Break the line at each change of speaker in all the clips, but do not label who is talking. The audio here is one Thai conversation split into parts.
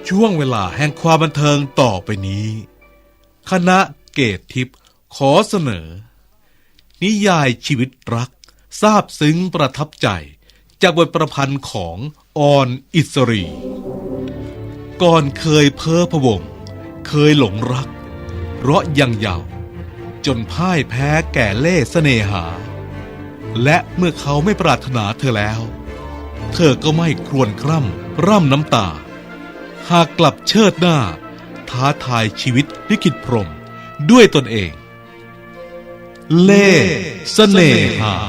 ช่วงเวลาแห่งความบันเทิงต่อไปนี้คณะเกตทิพย์ขอเสนอนิยายชีวิตรักซาบซึ้งประทับใจจากบทประพันธ์ของออนอิสรีก่อนเคยเพ้อพะวงเคยหลงรักเพราะยังเยาว์จนพ่ายแพ้แก่เล่ห์เสน่หาและเมื่อเขาไม่ปรารถนาเธอแล้วเธอก็ไม่ครวญคร่ำร่ำน้ำตาหากกลับเชิดหน้าท้าทายชีวิตลิขิตพรหมด้วยตนเองเล่ห์เสน่หา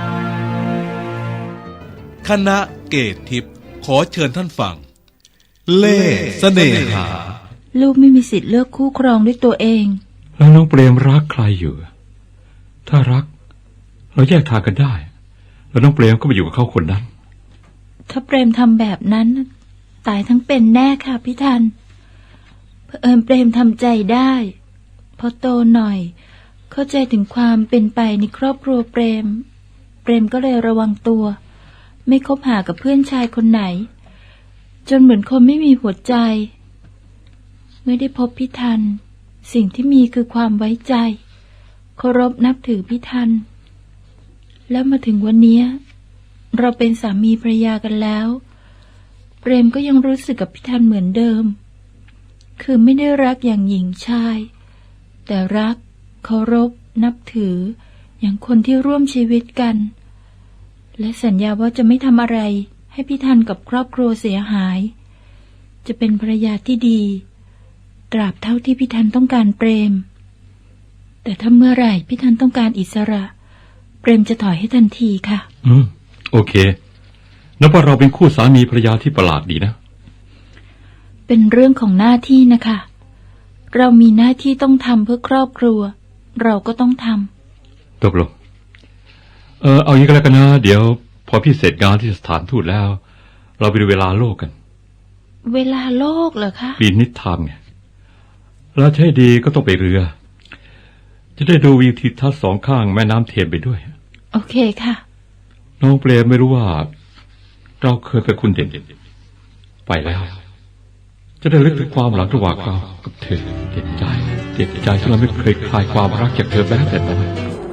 คณะเกตทิพย์ขอเชิญท่านฟังเล่ห์เสน่หา
ลูกไม่มีสิทธิ์เลือกคู่ครองด้วยตัวเอง
แล้วน้องเปรมรักใครอยู่ถ้ารักเราแยกทางกันได้แล้วน้องเปรมก็ไปอยู่กับเขาคนนั้น
ถ้าเปรมทำแบบนั้นตายทั้งเป็นแน่ค่ะพี่ทันเผอิญเปรมทำใจได้พอโตหน่อยเข้าใจถึงความเป็นไปในครอบครัวเปรมก็เลยระวังตัวไม่คบหากับเพื่อนชายคนไหนจนเหมือนคนไม่มีหัวใจเมื่อได้พบพี่ทันสิ่งที่มีคือความไว้ใจเคารพนับถือพี่ทันแล้วมาถึงวันนี้เราเป็นสามีภรรยากันแล้วเปรมก็ยังรู้สึกกับพี่ทันเหมือนเดิมคือไม่ได้รักอย่างหญิงชายแต่รักเคารพนับถืออย่างคนที่ร่วมชีวิตกันและสัญญาว่าจะไม่ทำอะไรให้พี่ทันกับครอบครัวเสียหายจะเป็นภรรยาที่ดีตราบเท่าที่พี่ทันต้องการเปรมแต่ถ้าเมื่อไหร่พี่ทันต้องการอิสระเปรมจะถอยให้ทันทีค่ะ
โอเคนับว่าเราเป็นคู่สามีภรรยาที่ประหลาดดีนะ
เป็นเรื่องของหน้าที่นะคะเรามีหน้าที่ต้องทำเพื่อครอบครัวเราก็ต้องทำ
ตกลงเอาอย่างนี้ก็แล้วกันนะเดี๋ยวพอพี่เสร็จงานที่สถานทูตแล้วเราไปดูเวลาโลกกัน
เวลาโลกเหรอคะ
ปีนิดไทม์ไงแล้วใช่ดีก็ต้องไปเรือจะได้ดูวิวทิวทัศน์สองข้างแม่น้ำเทมไปด้วย
โอเคค่ะ
น้องเปรมไม่รู้ว่าเราเคยเป็นคุณเด่นไปแล้วจะได้ลึกถึงความหลังระหว่างเรากับเธอเจ็บใจที่เราไม่เคยคลายความรักจากเธอแม้แต่น้อย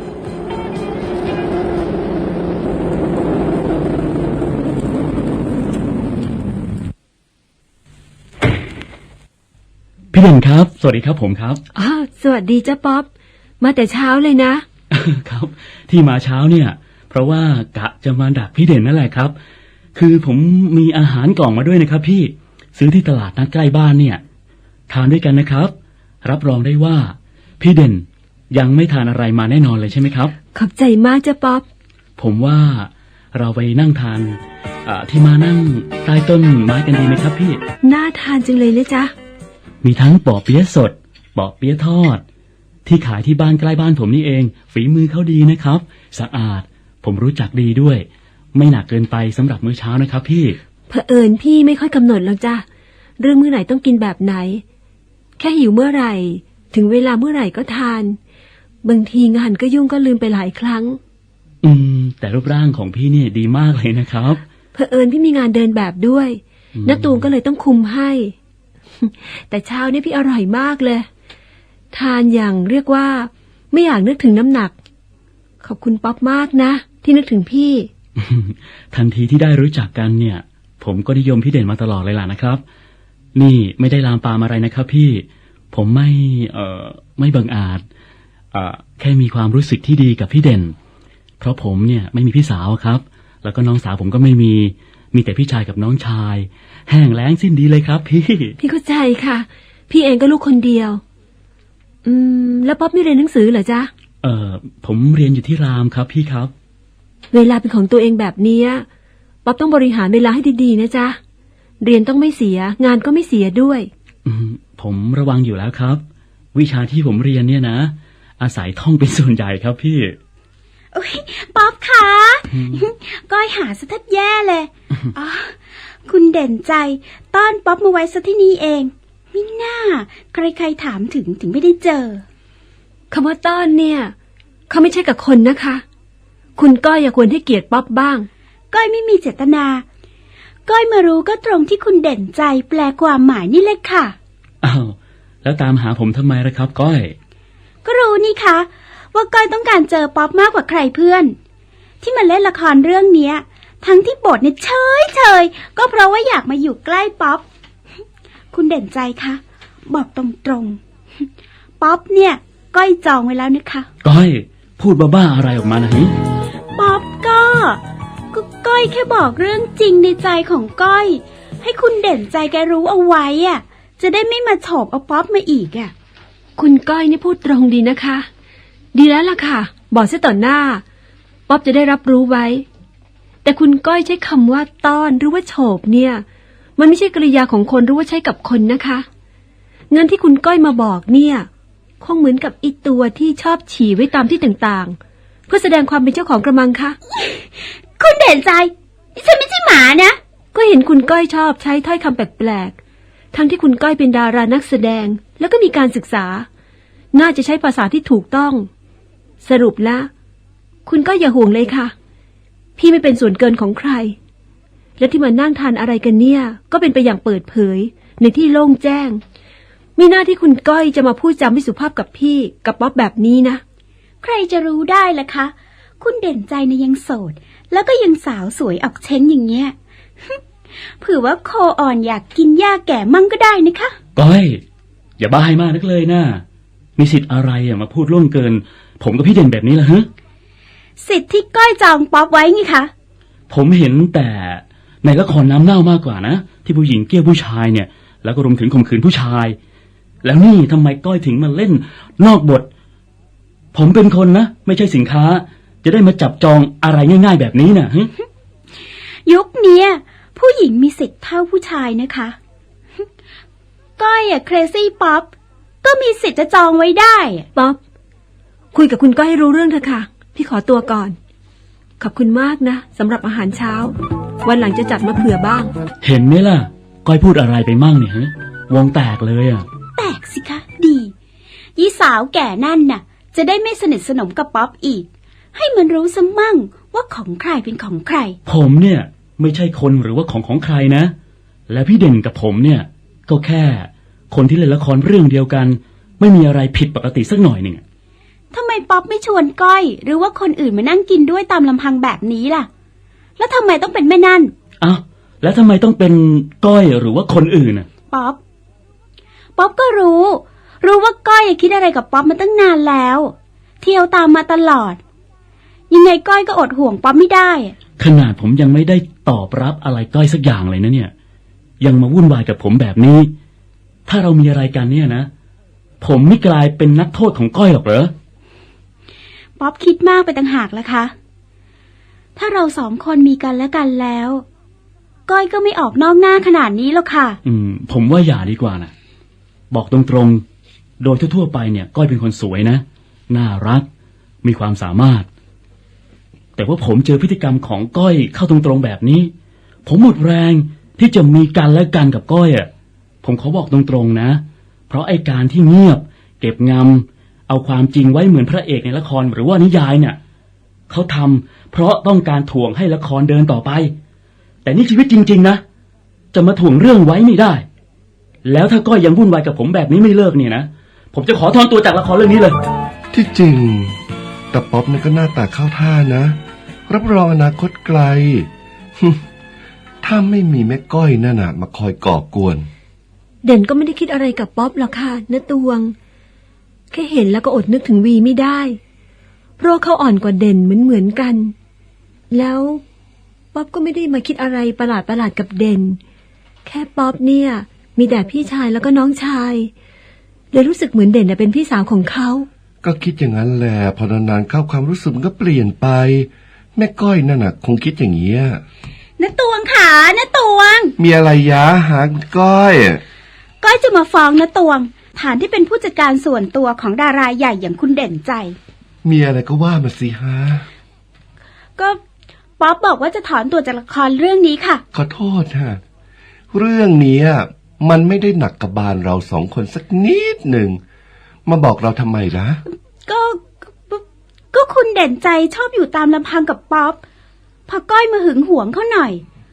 พี่เด่นครับสวัสดีครับผมครับ
สวัสดีจ้าป๊อปมาแต่เช้าเลยนะครับ
ที่มาเช้าเนี่ยเพราะว่ากะจะมาดักพี่เด่นนั่นแหละครับคือผมมีอาหารกล่องมาด้วยนะครับพี่ซื้อที่ตลาดนัดใกล้บ้านเนี่ยทานด้วยกันนะครับรับรองได้ว่าพี่เด่นยังไม่ทานอะไรมาแน่นอนเลยใช่ไหมครับ
ขอบใจมากจ้าป๊อป
ผมว่าเราไปนั่งทานที่มานั่งใต้ต้นไม้กันดีไหมครับพี่
น่าทานจังเลยนะจ๊ะ
มีทั้งปอเปี๊ยะสดปอเปี๊ยะทอดที่ขายที่บ้านใกล้บ้านผมนี่เองฝีมือเขาดีนะครับสะอาดผมรู้จักดีด้วยไม่หนักเกินไปสำหรับมื้อเช้านะครับพี่
เผอิญพี่ไม่ค่อยกำหนดหรอกจ้ะเรื่องมื้อไหนต้องกินแบบไหนแค่หิวเมื่อไหร่ถึงเวลาเมื่อไหร่ก็ทานบางทีงานก็ยุ่งก็ลืมไปหลายครั้ง
แต่รูปร่างของพี่นี่ดีมากเลยนะครับ
เผอิญพี่มีงานเดินแบบด้วยณตูมก็เลยต้องคุมให้แต่เช้านี้พี่อร่อยมากเลยทานอย่างเรียกว่าไม่อยากนึกถึงน้ำหนักขอบคุณป๊อปมากนะที่นึกถึงพี่
ทันทีที่ได้รู้จักกันเนี่ยผมก็นิยมพี่เด่นมาตลอดเลยล่ะนะครับนี่ไม่ได้ลามปามอะไรนะครับพี่ผมไม่บังอาจแค่มีความรู้สึกที่ดีกับพี่เด่นเพราะผมเนี่ยไม่มีพี่สาวครับแล้วก็น้องสาวผมก็ไม่มีแต่พี่ชายกับน้องชายแห้งแล้งสิ้นดีเลยครับ
พี่เข้าใจค่ะพี่เองก็ลูกคนเดียวแล้วป๊อปไม่เรียนหนังสือเหรอจ๊ะ
ผมเรียนอยู่ที่รามครับพี่ครับ
เวลาเป็นของตัวเองแบบนี้ป๊อปต้องบริหารเวลาให้ดีๆนะจ๊ะเรียนต้องไม่เสียงานก็ไม่เสียด้วย
ผมระวังอยู่แล้วครับวิชาที่ผมเรียนเนี่ยนะอาศัยท่องเป็นส่วนใหญ่ครับพี่
โอ้ยป๊อปคะก้อยหาซะแทบแย่เลยอ๋อคุณเด่นใจต้อนป๊อปมาไว้ซะที่นี่เองมิน่าใครๆถามถึงไม่ได้เจอ
คำว่าต้อนเนี่ยเขาไม่ใช่กับคนนะคะคุณก้อยอย่าควรให้เกียรติป๊อปบ้าง
ก้อยไม่มีเจตนาก้อยมารู้ก็ตรงที่คุณเด่นใจแปลความหมายนี่เลยค่ะ
อ้าวแล้วตามหาผมทำไมล่ะครับก้อย
ก็รู้นี่คะว่าก้อยต้องการเจอป๊อปมากกว่าใครเพื่อน ที่มาเล่นละครเรื่องเนี้ย ทั้งที่บทเนี่ยเฉยก็เพราะว่าอยากมาอยู่ใกล้ป๊อป คุณเด่นใจคะบอกตรงๆป๊อปเนี่ยก้อยจองไว้แล้วนะคะ
ก้อยพูดบ้าๆอะไรออกมานะฮิ
ป๊อปก็ก้อยแค่บอกเรื่องจริงในใจของก้อย ให้คุณเด่นใจแกรู้เอาไว้อ่ะจะได้ไม่มาโฉบเอาป๊อปมาอีกอ่ะ
คุณก้อยนี่พูดตรงดีนะคะ ดีแล้วล่ะค่ะ บอกซะต่อหน้า ป๊อบจะได้รับรู้ไว้ แต่คุณก้อยใช้คำว่าต้อนหรือว่าโฉบเนี่ย มันไม่ใช่กริยาของคนหรือว่าใช้กับคนนะคะ เงินที่คุณก้อยมาบอกเนี่ยคงเหมือนกับอีตัวที่ชอบฉี่ไว้ตามที่ต่างๆ เพื่อแสดงความเป็นเจ้าของกระมังคะ
คุณเด่นใจนี่ฉันไม่ใช่หมานะ
ก็เห็นคุณก้อยชอบใช้ถ้อยคำแปลกๆ ทั้งที่คุณก้อยเป็นดารานักแสดงแล้วก็มีการศึกษา น่าจะใช้ภาษาที่ถูกต้อง สรุปละคุณก็อย่าห่วงเลยค่ะ พี่ไม่เป็นส่วนเกินของใคร และที่มานั่งทานอะไรกันเนี่ยก็เป็นไปอย่างเปิดเผยในที่โล่งแจ้ง มีหน้าที่คุณก้อยจะมาพูดจาไม่สุภาพกับพี่กับป๊อบแบบนี้นะ
ใครจะรู้ได้ล่ะคะคุณเด่นใจเนี่ยยังโสดแล้วก็ยังสาวสวยออกเช้งอย่างเงี้ย เผื่อว่าโคอ่อนอยากกินหญ้าแก่มั่งก็ได้นะคะ
ก้อยอย่าบ้าให้มากนักเลยนะมีสิทธิ์อะไรมาพูดล่วงเกิน ผมกับพี่เด่นแบบนี้ล่ะฮะ
สิทธิ์ที่ก้อยจองป๊อปไว้ไงคะ
ผมเห็นแต่ในละครน้ำเน่ามากกว่านะที่ผู้หญิงเกลี้ยผู้ชายเนี่ยแล้วก็รวมถึงข่มขืนผู้ชาย แล้วนี่ทำไมก้อยถึงมาเล่นนอกบท ผมเป็นคนนะไม่ใช่สินค้าจะได้มาจับจองอะไรง่ายๆแบบนี้นะฮะ
ยุคเนี้ยผู้หญิงมีสิทธิ์เท่าผู้ชายนะคะ ก้อยอะเครซี่ป๊อปก็มีสิทธิ์จะจองไว้ได้
ป๊อบคุยกับคุณก้อยให้รู้เรื่องเถอะค่ะ พี่ขอตัวก่อน ขอบคุณมากนะสำหรับอาหารเช้า วันหลังจะจัดมาเผื่อบ้าง
เห็นไหมล่ะก้อยพูดอะไรไปมั่งเนี่ยฮะวงแตกเลยอ่ะ
แตกสิคะดียี่สาวแก่นั่นน่ะจะได้ไม่สนิทสนมกับป๊อปอีก ให้มันรู้ซะมั่งว่าของใครเป็นของใคร
ผมเนี่ยไม่ใช่คนหรือว่าของใครนะ และพี่เด่นกับผมเนี่ยก็แค่คนที่เล่นละครเรื่องเดียวกัน ไม่มีอะไรผิดปกติสักหน่อยหนึ่ง
ทำไมป๊อปไม่ชวนก้อยหรือว่าคนอื่นมานั่งกินด้วยตามลำพังแบบนี้ล่ะ แล้วทำไมต้องเป็นแม่นั่น
อ้าวแล้วทำไมต้องเป็นก้อยหรือว่าคนอื่นอ่ะ
ป๊อปก็รู้ว่าก้อยคิดอะไรกับป๊อปมาตั้งนานแล้ว เที่ยวตามมาตลอด ยังไงก้อยก็อดห่วงป๊อปไม่ได้
ขนาดผมยังไม่ได้ตอบรับอะไรก้อยสักอย่างเลยนะเนี่ยยังมาวุ่นวายกับผมแบบนี้ ถ้าเรามีอะไรกันเนี่ยนะผมไม่กลายเป็นนักโทษของก้อยหรอกเหรอ
ป๊อปคิดมากไปต่างหากละคะถ้าเราสองคนมีกันและกันแล้วก้อยก็ไม่ออกนอกหน้าขนาดนี้หรอกค่ะ
ผมว่าอย่าดีกว่านะบอกตรงๆโดยทั่วๆไปเนี่ยก้อยเป็นคนสวยนะน่ารักมีความสามารถแต่ว่าผมเจอพฤติกรรมของก้อยเข้าตรงๆแบบนี้ผมหมดแรงที่จะมีกันและกันกับก้อยอ่ะผมขอบอกตรงๆนะเพราะไอ้การที่เงียบเก็บงำเอาความจริงไว้เหมือนพระเอกในละครหรือว่านิยายเนี่ยเขาทำเพราะต้องการถ่วงให้ละครเดินต่อไปแต่นี่ชีวิตจริงๆนะจะมาถ่วงเรื่องไว้ไม่ได้แล้วถ้าก้อยยังวุ่นวายกับผมแบบนี้ไม่เลิกเนี่ยนะผมจะขอถอนตัวจากละครเรื่องนี้เลย
ที่จริงแต่ป๊อปนี่ก็หน้าตาเข้าท่านะรับรองอนาคตไกล ถ้าไม่มีแม่ก้อยนั่นน่ะมาคอยก่อกวน
เด่นก็ไม่ได้คิดอะไรกับป๊อบหรอกค่ะณตวงแค่เห็นแล้วก็อดนึกถึงวีไม่ได้เพราะเขาอ่อนกว่าเด่นเหมือนกันแล้วป๊อบก็ไม่ได้มาคิดอะไรประหลาดกับเด่นแค่ป๊อบเนี่ยมีแต่พี่ชายแล้วก็น้องชายเลยรู้สึกเหมือนเด่นเป็นพี่สาวของเขา
ก็คิดอย่างนั้นแหละพอนานๆเข้าความรู้สึกมันก็เปลี่ยนไปแม่ก้อยนั่นน่ะคงคิดอย่างนี้
ณตวงขาณตวง
มีอะไรยะหาก้อย
จะมาฟ้องณตวงฐานที่เป็นผู้จัดการส่วนตัวของดาราใหญ่อย่างคุณเด่นใจ
มีอะไรก็ว่ามาสิฮะ
ก็ป๊อปบอกว่าจะถอนตัวจากละครเรื่องนี้ค่ะ
ขอโทษฮะเรื่องนี้มันไม่ได้หนักกับบานเราสองคนสักนิดหนึ่งมาบอกเราทำไมล่ะ
ก็คุณเด่นใจชอบอยู่ตามลำพังกับป๊อปพอก้อยมาหึงหวงเขาหน่อย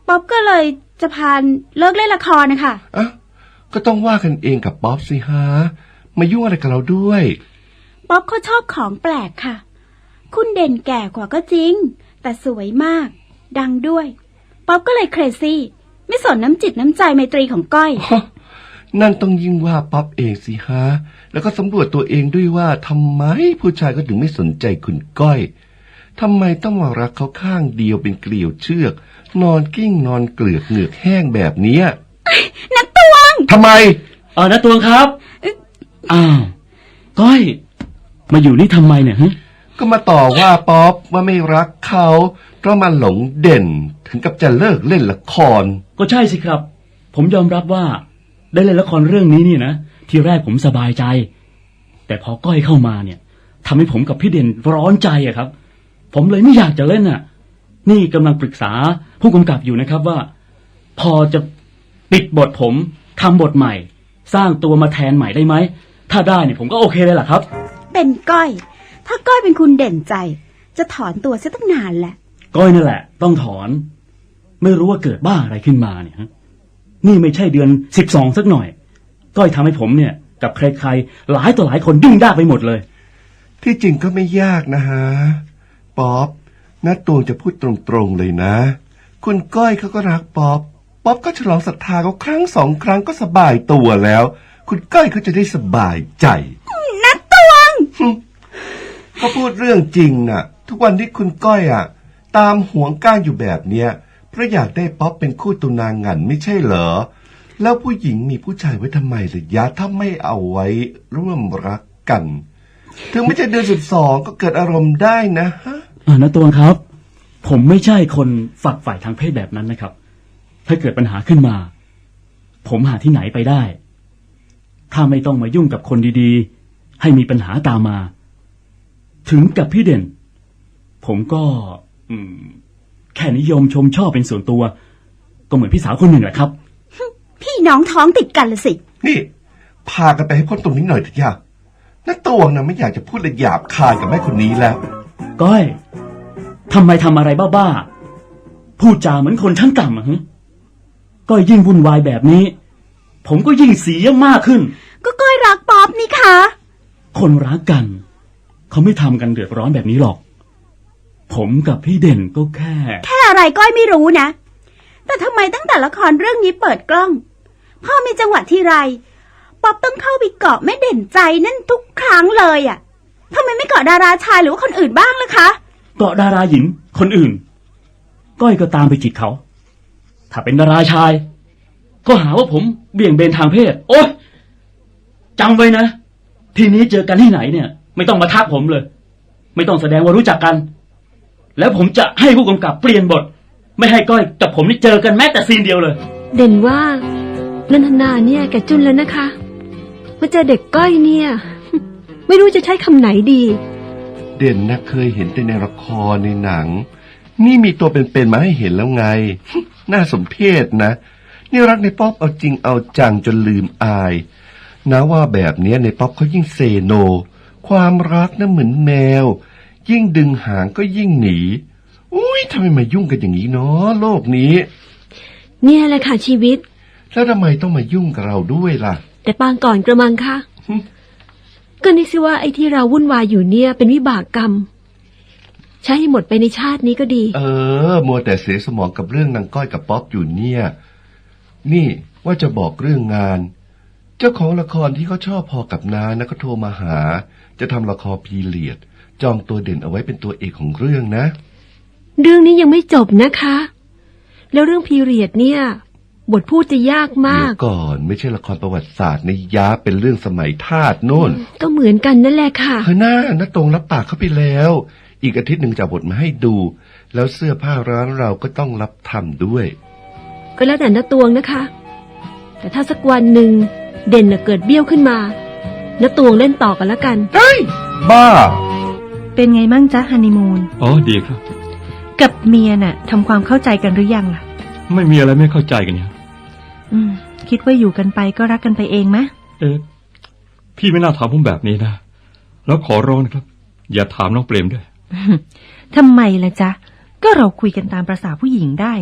ป๊อบก็เลยจะพาเลิกเล่นละครนะคะ
อ่ะก็ต้องว่ากันเองกับป๊อปสิฮะมายุ่งอะไรกับเราด้วย
ป๊อบเขาชอบของแปลกค่ะ คุณเด่นแก่กว่าก็จริงแต่สวยมากดังด้วยป๊อบก็เลยเครซี่ไม่สนน้ำจิตน้ำใจไมตรีของก้อย
นั่นต้องยิ่งว่าป๊อปเองสิฮะแล้วก็สำรวจตัวเองด้วยว่าทำไมผู้ชายก็ถึงไม่สนใจคุณก้อยทำไมต้องมารักเขาข้างเดียวเป็นเกลียวเชือกนอนกิ้งนอนเกลือกเหงือกแห้งแบบเนี้ย
นักตวง
ทำไม
นะตวงครับอ้าวก้อยมาอยู่นี่ทำไมเนี่ยฮะ
ก็มาต่อว่าป๊อปว่าไม่รักเขาเพราะมันหลงเด่นถึงกับจะเลิกเล่นละคร
ก็ใช่สิครับผมยอมรับว่าได้เล่นละครเรื่องนี้นี่นะทีแรกผมสบายใจแต่พอก้อยเข้ามาเนี่ยทำให้ผมกับพี่เด่นร้อนใจอะครับผมเลยไม่อยากจะเล่นน่ะนี่กำลังปรึกษาผู้กำกับอยู่นะครับว่าพอจะปิดบทผมทำบทใหม่สร้างตัวมาแทนใหม่ได้ไหมถ้าได้เนี่ยผมก็โอเคเลยล่ะครับ
เป็นก้อยถ้าก้อยเป็นคุณเด่นใจจะถอนตัวเสียตั้งนานแหละ
ก้อยนั่นแหละต้องถอนไม่รู้ว่าเกิดบ้าอะไรขึ้นมาเนี่ยฮะนี่ไม่ใช่เดือน12สักหน่อยก้อยทำให้ผมเนี่ยกับใครๆหลายต่อหลายคนยุ่งยากไปหมดเลย
ที่จริงก็ไม่ยากนะฮะป๊อปน้าตวงจะพูดตรงๆเลยนะคุณก้อยเขาก็รักป๊อปป๊อปก็ฉลองศรัทธาเขาครั้ง2 ครั้งก็สบายตัวแล้ว คุณก้อยเขาจะได้สบายใจ
นักตวง
เขาพูดเรื่องจริงน่ะทุกวันที่คุณก้อยตามหวงก้างอยู่แบบเนี้ยเพราะอยากได้ป๊อปเป็นคู่ตุนางงันไม่ใช่เหรอแล้วผู้หญิงมีผู้ชายไว้ทำไมล่ะยะถ้าไม่เอาไว้ร่วมรักกันถึงไม่ใช่เดือน12ก็เกิดอารมณ์ได้นะฮะ
นะตวงครับผมไม่ใช่คนฝักใฝ่ทางเพศแบบนั้นนะครับถ้าเกิดปัญหาขึ้นมาผมหาที่ไหนไปได้ถ้าไม่ต้องมายุ่งกับคนดีๆให้มีปัญหาตามมาถึงกับพี่เด่นผมก็แค่นิยมชมชอบเป็นส่วนตัวก็เหมือนพี่สาวคนหนึ่งแหละครับ
พี่น้องท้องติดกันละสิ
นี่พากันไปให้พ้นตรงนี้หน่อยเถอะย่าน้าตวงนะไม่อยากจะพูดเลยหยาบคายกับแม่คนนี้แล้ว
ก้อยทำไมทำอะไรบ้าๆพูดจาเหมือนคนชั้นต่ำฮะก้อยยิ่งวุ่นวายแบบนี้ผมก็ยิ่งเสียมากขึ้น
ก็ก้อยรักป๊อปนี่คะ
คนรักกันเขาไม่ทำกันเดือดร้อนแบบนี้หรอกผมกับพี่เด่นก็แค่
อะไรก้อยไม่รู้นะแต่ทำไมตั้งแต่ละครเรื่องนี้เปิดกล้องพ่อมีจังหวะทีไรป๊อปต้องเข้าไปเกาะแม่เด่นใจนั่นทุกครั้งเลยทำไมไม่เกาะดาราชายหรือว่าคนอื่นบ้างล่ะคะ
เกาะดาราหญิงคนอื่นก้อยก็ตามไปจีบเขาถ้าเป็นดาราชายก็หาว่าผมเบี่ยงเบนทางเพศโอ๊ยจำไว้นะทีนี้เจอกันที่ไหนเนี่ยไม่ต้องมาทักผมเลยไม่ต้องแสดงว่ารู้จักกันแล้วผมจะให้ผู้กำกับเปลี่ยนบทไม่ให้ก้อยกับผมนี่เจอกันแม้แต่ซีนเดียวเลย
เด่นว่านันทนาเนี่ยแกจุนแล้วนะคะมาเจอเด็กก้อยเนี่ยไม่รู้จะใช้คำไหนดี
เด่นนะเคยเห็นแต่ในละครในหนังนี่มีตัวเป็นๆมาให้เห็นแล้วไง น่าสมเพชนะนี่รักในป๊อปเอาจริงเอาจังจนลืมอายนะว่าแบบนี้ในป๊อปเขายิ่งเซโนความรักนะเหมือนแมวยิ่งดึงหางก็ยิ่งหนีอุ้ยทำไมมายุ่งกันอย่างนี้เนาะโลกนี้
เนี่ยแหละค่ะชีวิต
แล้วทำไมต้องมายุ่งกับเราด้วยล่ะ
แต่ปางก่อนกระมังค่ะก็นึกสิว่าไอ้ที่เราวุ่นวายอยู่เนี่ยเป็นวิบากกรรมใช้ให้หมดไปในชาตินี้ก็ดี
มัวแต่เสียสมองกับเรื่องนางก้อยกับป๊อปอยู่เนี่ยนี่ว่าจะบอกเรื่องงานเจ้าของละครที่เขาชอบพอกับน้านะก็โทรมาหาจะทำละครพีเรียดจองตัวเด่นเอาไว้เป็นตัวเอกของเรื่องนะ
เรื่องนี้ยังไม่จบนะคะแล้วเรื่องพีเรียดเนี่ยบทพูดจะยากมาก
เดี๋ยวก่อนไม่ใช่ละครประวัติศาสตร์ในยาเป็นเรื่องสมัยทาสโน่น
ก็เหมือนกันนั่นแหละค่ะ
หน้าตรงรับปากเขาไปแล้วอีกอาทิตย์หนึ่งจะบทมาให้ดูแล้วเสื้อผ้าร้านเราก็ต้องรับทำด้วย
ก็แล้วแต่น้าตวงนะคะแต่ถ้าสักวันหนึ่งเด่นเกิดเบี้ยวขึ้นมาน้าตวงเล่นต่อกันแล้วกัน
เฮ้ยบ้า
เป็นไงมั่งจ๊ะฮันนีมูน
ดีครับ
กับเมียน่ะทำความเข้าใจกันหรือยังล่ะ
ไม่มีอะไรไม่เข้าใจกันเนี่ย
คิดว่าอยู่กันไปก็รักกันไปเองมะ
พี่ไม่น่าถามผมแบบนี้นะแล้วขอร้องนะครับอย่าถามน้องเปรมด้วย
ทำไมล่ะจ๊ะก็เราคุยกันตามประสาผู้หญิงได้นี่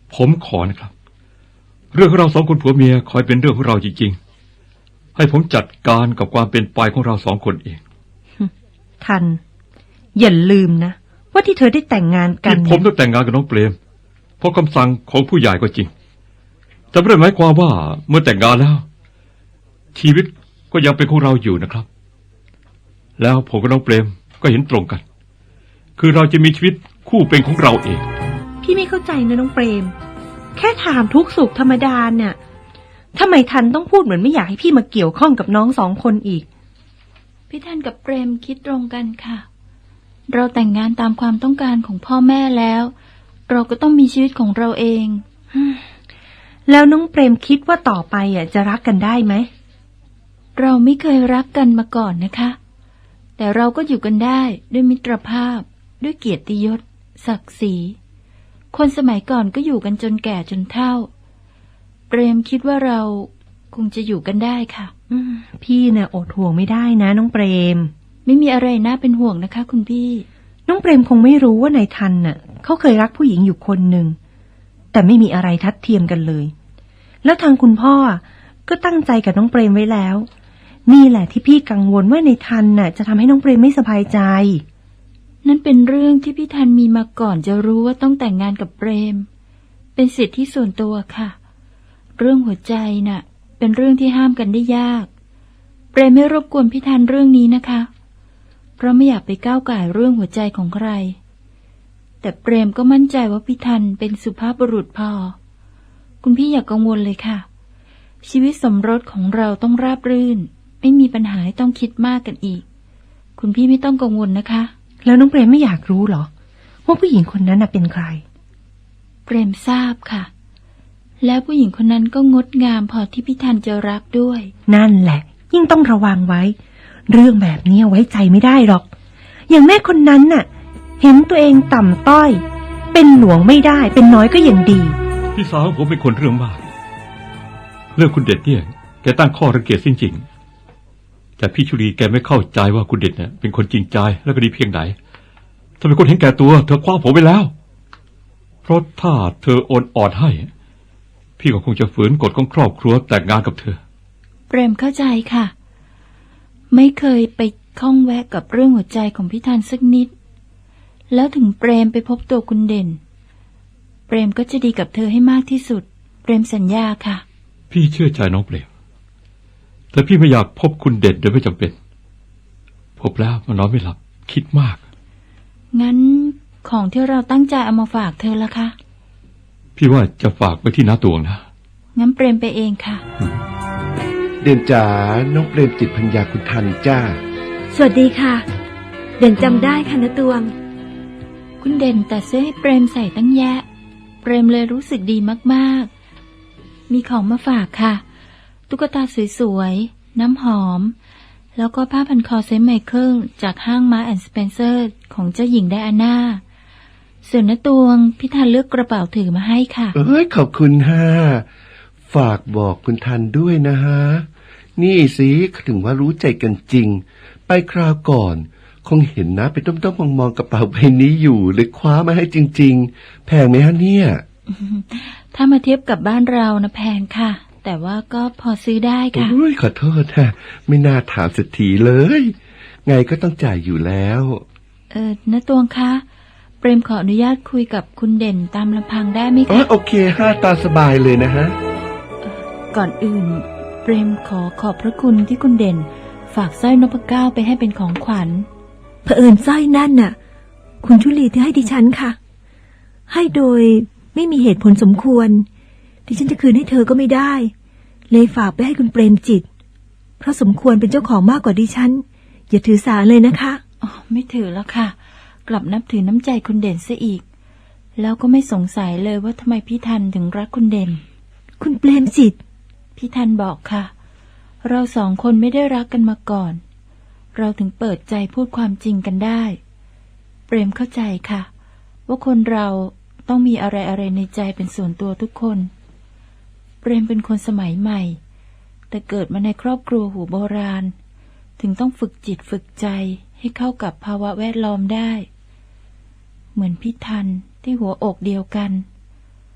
ผมขอนะครับ เรื่องของเราสองคนผัวเมียคอยเป็นเรื่องของเราจริงๆให้ผมจัดการกับความเป็นไปของเราสองคนเอง
ทันอย่าลืมนะว่าที่เธอได้แต่งงานกัน
ที่ผมต้องแต่งงานกับน้องเปรมเพราะคำสั่งของผู้ใหญ่ก็จริงแต่ไม่ได้หมายความว่าเมื่อแต่งงานแล้วชีวิตก็ยังเป็นของเราอยู่นะครับแล้วผมกับน้องเปรมก็เห็นตรงกันคือเราจะมีชีวิตคู่เป็นของเราเอง
พี่ไม่เข้าใจนะน้องเปรมแค่ถามทุกสุขธรรมดาเนี่ยทำไมทันต้องพูดเหมือนไม่อยากให้พี่มาเกี่ยวข้องกับน้องสองคนอีก
พี่ทันกับเปรมคิดตรงกันค่ะเราแต่งงานตามความต้องการของพ่อแม่แล้วเราก็ต้องมีชีวิตของเราเอง
แล้วน้องเปรมคิดว่าต่อไปจะรักกันได้ไหม
เราไม่เคยรักกันมาก่อนนะคะแต่เราก็อยู่กันได้ด้วยมิตรภาพด้วยเกียรติยศศักดิ์ศรีคนสมัยก่อนก็อยู่กันจนแก่จนเฒ่าเปรมคิดว่าเราคงจะอยู่กันได้ค่ะ
พี่น่ะอดห่วงไม่ได้นะน้องเปรม
ไม่มีอะไรน่าเป็นห่วงนะคะคุณพี่
น้องเปรมคงไม่รู้ว่านายทันน่ะเขาเคยรักผู้หญิงอยู่คนหนึ่งแต่ไม่มีอะไรทัดเทียมกันเลยแล้วทางคุณพ่อก็ตั้งใจกับน้องเปรมไว้แล้วนี่แหละที่พี่กังวลว่านายทันน่ะจะทำให้น้องเปรมไม่สบายใจ
นั่นเป็นเรื่องที่พี่ทันมีมาก่อนจะรู้ว่าต้องแต่งงานกับเปรมเป็นสิทธิส่วนตัวค่ะเรื่องหัวใจน่ะเป็นเรื่องที่ห้ามกันได้ยากเปรมไม่รบกวนพี่ทันเรื่องนี้นะคะเพราะไม่อยากไปก้าวก่ายเรื่องหัวใจของใครแต่เปรมก็มั่นใจว่าพี่ทันเป็นสุภาพบุรุษพอคุณพี่อย่ากังวลเลยค่ะชีวิตสมรสของเราต้องราบรื่นไม่มีปัญหาให้ต้องคิดมากกันอีกคุณพี่ไม่ต้องกังวลนะคะ
แล้วน้องเปรมไม่อยากรู้หรอว่าผู้หญิงคนนั้นเป็นใคร
เปรมทราบค่ะแล้วผู้หญิงคนนั้นก็งดงามพอที่พี่ทันจะรักด้วย
นั่นแหละยิ่งต้องระวังไว้เรื่องแบบนี้ไว้ใจไม่ได้หรอกอย่างแม่คนนั้นน่ะเห็นตัวเองต่ำต้อยเป็นหลวงไม่ได้เป็นน้อยก็ยังดี
พี่สาวผมเป็นคนเรื่องมากเรื่องคุณเด็ดเนี่ยแกตั้งข้อรังเกียจจริงๆแต่พี่ชุลีแกไม่เข้าใจว่าคุณเด็ดเนี่ยเป็นคนจริงใจและก็ดีเพียงไหนถ้าเป็นคนเห็นแก่ตัวเธอคว้าผมไปแล้วเพราะถ้าเธอโอนอ่อนให้พี่ก็คงจะฝืนกฎของครอบครัวแต่งงานกับเธอ
เปรมเข้าใจค่ะไม่เคยไปข้องแวะกับเรื่องหัวใจของพี่ทันสักนิดแล้วถึงเปรมไปพบตัวคุณเด่นเปรมก็จะดีกับเธอให้มากที่สุดเปรมสัญญาค่ะ
พี่เชื่อใจน้องเปรมแต่พี่ไม่อยากพบคุณเด่นโดยไม่จำเป็นพบแล้วมันนอนไม่หลับคิดมาก
งั้นของที่เราตั้งใจเอามาฝากเธอละคะ
พี่ว่าจะฝากไปที่น้าตวงนะ
งั้นเปรมไปเองค่ะ
เด่นจ๋าน้องเปรมจิตพัญญาคุณทันจ้า
สวัสดีค่ะเด่นจำได้ค่ะนะตวง
คุณเด่นแต่เสื้อให้เปรมใส่ตั้งแยะเปรมเลยรู้สึกดีมากๆมีของมาฝากค่ะตุ๊กตาสวยๆน้ำหอมแล้วก็ผ้าพันคอเซนต์ไมเคิลจากห้างมาร์คแอนด์สเปนเซอร์ของเจ้าหญิงไดอาน่าส่วนณตวงพี่ทันเลือกกระเป๋าถือมาให้ค่ะ
ขอบคุณฮะฝากบอกคุณทันด้วยนะฮะนี่สิถึงว่ารู้ใจกันจริงไปคราวก่อนคงเห็นนะไปต้มๆมองๆกระเป๋าใบนี้อยู่เลยคว้ามาให้จริงๆแพงไหมฮะเนี่ย
ถ้ามาเทียบกับบ้านเรานะแพงค่ะแต่ว่าก็พอซื้อได้ค่ะ
ขอโทษฮะไม่น่าถามสักทีเลยไงก็ต้องจ่ายอยู่แล้ว
ณตวงคะเปรมขออนุญาตคุยกับคุณเด่นตามลำพังได้ไหมคะ
โอเคฮะตามสบายเลยนะฮะ
ก่อนอื่นเปรมขอบพระคุณที่คุณเด่นฝากสร้อยนพเก้าไปให้เป็นของขวัญ
เผอิญสร้อยนั่นน่ะคุณชุลีที่ให้ดิฉันค่ะให้โดยไม่มีเหตุผลสมควรดิฉันจะคืนให้เธอก็ไม่ได้เลยฝากไปให้คุณเปรมจิตเพราะสมควรเป็นเจ้าของมากกว่าดิฉันอย่าถือสาเลยนะคะ
ไม่ถือแล้วค่ะกลับนับถือน้ำใจคุณเด่นซะอีกแล้วก็ไม่สงสัยเลยว่าทำไมพี่ทันถึงรักคุณเด่น
คุณเปรมจิต
พี่ทันบอกค่ะเราสองคนไม่ได้รักกันมาก่อนเราถึงเปิดใจพูดความจริงกันได้เปรมเข้าใจค่ะว่าคนเราต้องมีอะไรในใจเป็นส่วนตัวทุกคนเปรมเป็นคนสมัยใหม่แต่เกิดมาในครอบครัวหัวโบราณถึงต้องฝึกจิตฝึกใจให้เข้ากับภาวะแวดล้อมได้เหมือนพี่ทันที่หัวอกเดียวกันคุ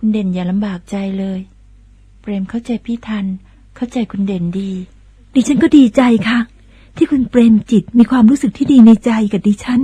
คุณเด่นอย่าลำบากใจเลย เปรมเข้าใจพี่ทันเข้าใจคุณเด่นดี
ดิฉันก็ดีใจค่ะ ที่คุณเปรมจิตมีความรู้สึกที่ดีในใจกับดิฉัน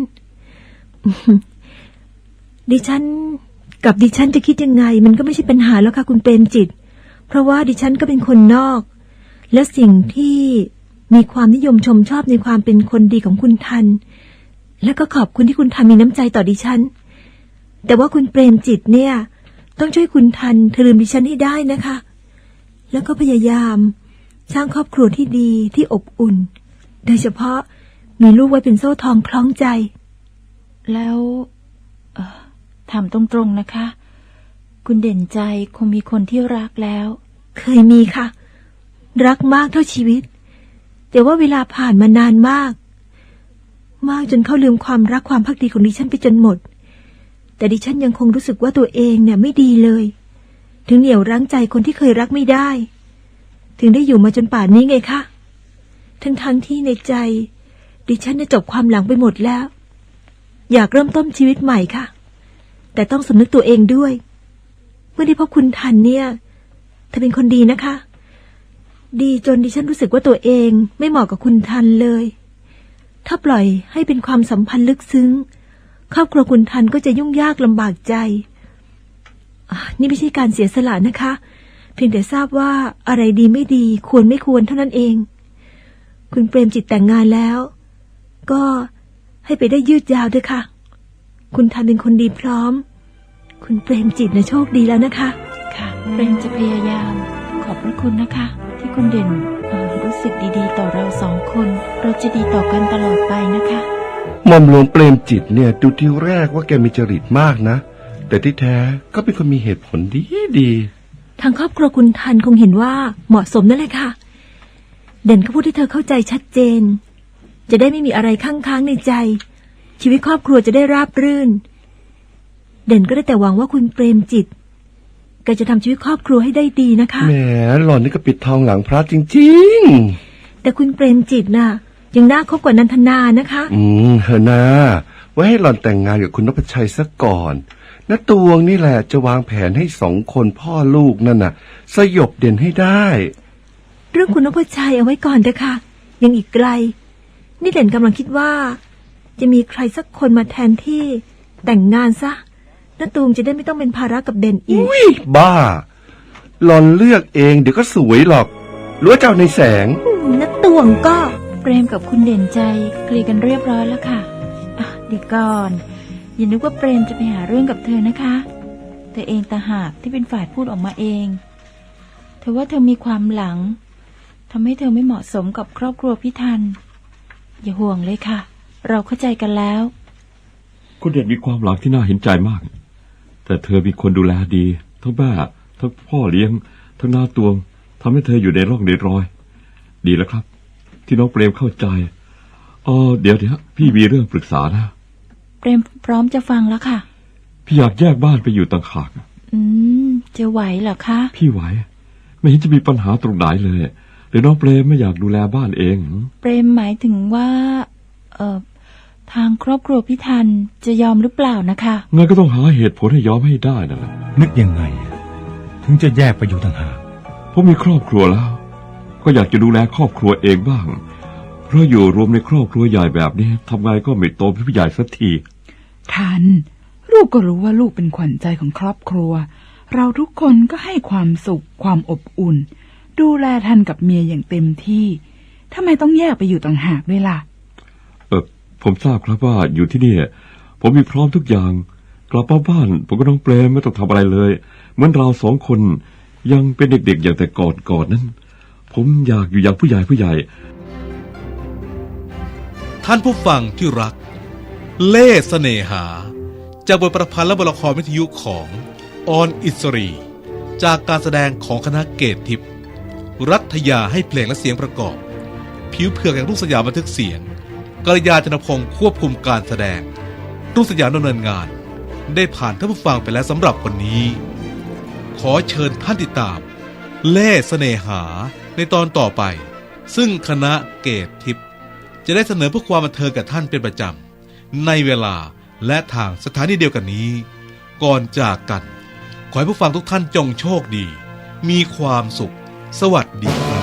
ดิฉันจะคิดยังไงมันก็ไม่ใช่ปัญหาแล้วค่ะคุณเปรมจิต เพราะว่าดิฉันก็เป็นคนนอก และสิ่งที่มีความนิยมชมชอบในความเป็นคนดีของคุณทัน และก็ขอบคุณที่คุณทันมีน้ำใจต่อดิฉัน แต่ว่าคุณเปรมจิตเนี่ยต้องช่วยคุณทันเธอลืมดิฉันให้ได้นะคะ แล้วก็พยายามสร้างครอบครัวที่ดีที่อบอุ่น โดยเฉพาะมีลูกไว้เป็นโซ่ทองคล้องใจ
แล้วถามตรงๆนะคะ คุณเด่นใจคงมีคนที่รักแล้ว
เคยมีค่ะ รักมากเท่าชีวิต แต่ว่าเวลาผ่านมานานมากจนเขาลืมความรักความภักดีของดิฉันไปจนหมด แต่ดิฉันยังคงรู้สึกว่าตัวเองเนี่ยไม่ดีเลย ถึงเหนี่ยวรั้งใจคนที่เคยรักไม่ได้ ถึงได้อยู่มาจนป่านนี้ไงคะทั้งที่ในใจดิฉันได้จบความหลังไปหมดแล้ว อยากเริ่มต้นชีวิตใหม่ค่ะ แต่ต้องสำนึกตัวเองด้วยเมื่อได้พบคุณทันเนี่ยเธอเป็นคนดีนะคะ ดีจนดิฉันรู้สึกว่าตัวเองไม่เหมาะกับคุณทันเลยถ้าปล่อยให้เป็นความสัมพันธ์ลึกซึ้งครอบครัวคุณทันก็จะยุ่งยากลำบากใจนี่ไม่ใช่การเสียสละนะคะเพียงแต่ทราบว่าอะไรดีไม่ดีควรไม่ควรเท่านั้นเองคุณเปรมจิตแต่งงานแล้วก็ให้ไปได้ยืดยาวด้วยค่ะคุณทันเป็นคนดีพร้อมคุณเปรมจิตนะโชคดีแล้วนะคะ
ค่ะเปรมจะพยายามขอบพระคุณนะคะที่คุณเด่นรู้สึกดีๆต่อเราสองคนเราจะดีต่อกันตลอดไปนะคะ
หม่อมหลวงเปรมจิตเนี่ยดูทีแรกว่าแกมีจริตมากนะแต่ที่แท้ก็เป็นคนมีเหตุผลดี
ทางครอบครัวคุณทันคงเห็นว่าเหมาะสมนั่นแหละค่ะเด่นก็พูดให้เธอเข้าใจชัดเจนจะได้ไม่มีอะไรค้างในใจชีวิตครอบครัวจะได้ราบรื่นเด่นก็ได้แต่หวังว่าคุณเปรมจิตแกจะทำชีวิตครอบครัวให้ได้ดีนะคะ
แหมหล่อนนี่ก็ปิดทองหลังพระจริง
ๆแต่คุณเปรมจิตน่ะยังน่าคบกว่านันทนานะคะ
เฮนะไว้ให้หล่อนแต่งงานกับคุณนพชัยซะก่อนณตวงนี่แหละจะวางแผนให้สองคนพ่อลูกนั่นน่ะสยบเด่นให้ได้
เรื่องคุณนพชัยเอาไว้ก่อนเถอะค่ะยังอีกไกลนี่เด่นกำลังคิดว่าจะมีใครสักคนมาแทนที่แต่งงานซะณตูมจะได้ไม่ต้องเป็นภาระกับเด่นอีก
บ้าหล่อนเลือกเองเดี๋ยวก็สวยหรอกรู้เจ้าในแสง
ณตวงก็
เปรมกับคุณเด่นใจเคลียร์กันเรียบร้อยแล้วค่ะเดี๋ยวก่อนอย่านึกว่าเปรมจะไปหาเรื่องกับเธอนะคะเธอเองต่างหากที่เป็นฝ่ายพูดออกมาเองเธอว่าเธอมีความหลังทำให้เธอไม่เหมาะสมกับครอบครัวพี่ทันอย่าห่วงเลยค่ะเราเข้าใจกันแล้ว
คุณเด่นมีความหลังที่น่าเห็นใจมากแต่เธอมีคนดูแลดีทั้งแม่ทั้งพ่อเลี้ยงทั้งหน้าตวงทำให้เธออยู่ในร่องในรอยดีแล้วครับที่น้องเปรมเข้าใจเดี๋ยวพี่มีเรื่องปรึกษานะ
เปรมพร้อมจะฟังแล้วค่ะ
พี่อยากแยกบ้านไปอยู่ต่างหาก
จะไหวเหรอคะ
พี่ไหวไม่เห็นจะมีปัญหาตรงไหนเลยหรือน้องเปรมไม่อยากดูแลบ้านเอง
เปรมหมายถึงว่าทางครอบครัวพี่ทันจะยอมหรือเปล่านะคะ
งั้นก็ต้องหาเหตุผลให้ยอมให้ได้นะ
นึกยังไงถึงจะแยกไปอยู่ต่างหาก
ผมมีครอบครัวแล้วก็อยากจะดูแลครอบครัวเองบ้างเพราะอยู่รวมในครอบครัวใหญ่แบบนี้ทำไงก็ไม่โตเป็นผู้ใหญ่สักที
ทันลูกก็รู้ว่าลูกเป็นขวัญใจของครอบครัวเราทุกคนก็ให้ความสุขความอบอุ่นดูแลทันกับเมียอย่างเต็มที่ทำไมต้องแยกไปอยู่ต่างหากด้วยล่ะ
ผมทราบครับว่าอยู่ที่นี่ผมมีพร้อมทุกอย่างกลับมาบ้านผมก็น้องเปรมไม่ต้องทำอะไรเลยเหมือนเราสองคนยังเป็นเด็กๆอย่างแต่ก่อนนั้นผมอยากอยู่อย่างผู้ใหญ่
ท่านผู้ฟังที่รักเล่ห์เสน่หาจากบทประพันธ์และบทละครวิทยุของออนอิสรีจากการแสดงของคณะเกตทิพย์รัฐยาให้เพลงและเสียงประกอบผิวเผือกแห่งรุ่งสยามบันทึกเสียงกัลยาณ จนพงศ์ควบคุมการแสดงรุ่งสยามดำเนินงานได้ผ่านท่านผู้ฟังไปแล้วสำหรับวันนี้ขอเชิญท่านติดตามเล่ห์เสน่หาในตอนต่อไปซึ่งคณะเกตทิพย์จะได้เสนอเพื่อความบันเทิงกับท่านเป็นประจำในเวลาและทางสถานีเดียวกันนี้ก่อนจากกันขอให้ผู้ฟังทุกท่านจงโชคดี มีความสุข สวัสดีครับ